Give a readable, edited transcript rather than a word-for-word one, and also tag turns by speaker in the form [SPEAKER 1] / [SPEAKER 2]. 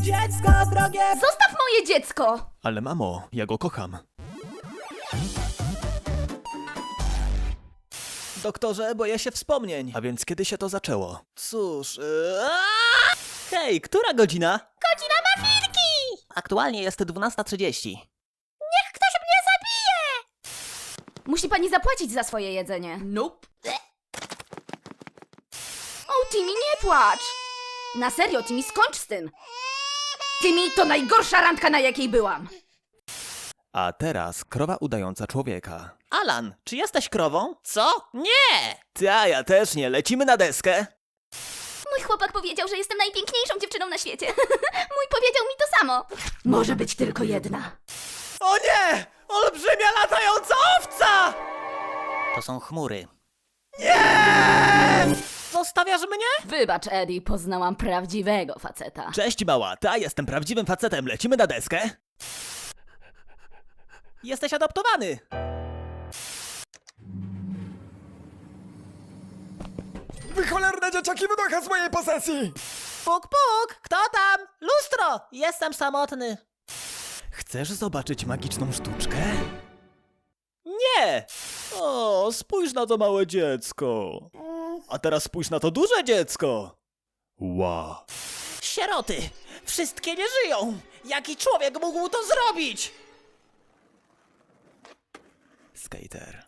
[SPEAKER 1] Dziecko drogie!
[SPEAKER 2] Zostaw moje dziecko!
[SPEAKER 3] Ale mamo, ja go kocham.
[SPEAKER 1] Doktorze, boję się wspomnień.
[SPEAKER 3] A więc kiedy się to zaczęło?
[SPEAKER 1] Cóż... Hej, która godzina?
[SPEAKER 2] Godzina mafilki!
[SPEAKER 1] Aktualnie jest 12:30.
[SPEAKER 2] Niech ktoś mnie zabije! Musi pani zapłacić za swoje jedzenie. Nope. O, Timmy, nie płacz! Na serio, Timmy, skończ z tym! Timmy, to najgorsza randka, na jakiej byłam!
[SPEAKER 3] A teraz krowa udająca człowieka.
[SPEAKER 1] Alan, czy jesteś krową? Co? Nie! Ta, ja też nie. Lecimy na deskę.
[SPEAKER 2] Mój chłopak powiedział, że jestem najpiękniejszą dziewczyną na świecie. Mój powiedział mi to samo. Może być tylko jedna.
[SPEAKER 1] O nie! Olbrzymia latająca owca! To są chmury. Nie! Zostawiasz mnie?
[SPEAKER 2] Wybacz, Eddie, poznałam prawdziwego faceta.
[SPEAKER 1] Cześć mała, ta jestem prawdziwym facetem. Lecimy na deskę? Jesteś adoptowany.
[SPEAKER 4] Wy cholerne dzieciaki, wynocha z mojej posesji!
[SPEAKER 1] Puk, puk! Kto tam? Lustro! Jestem samotny.
[SPEAKER 3] Chcesz zobaczyć magiczną sztuczkę?
[SPEAKER 1] Nie! O, spójrz na to małe dziecko. A teraz spójrz na to duże dziecko.
[SPEAKER 3] Wow.
[SPEAKER 1] Sieroty! Wszystkie nie żyją! Jaki człowiek mógł to zrobić?
[SPEAKER 3] Skater.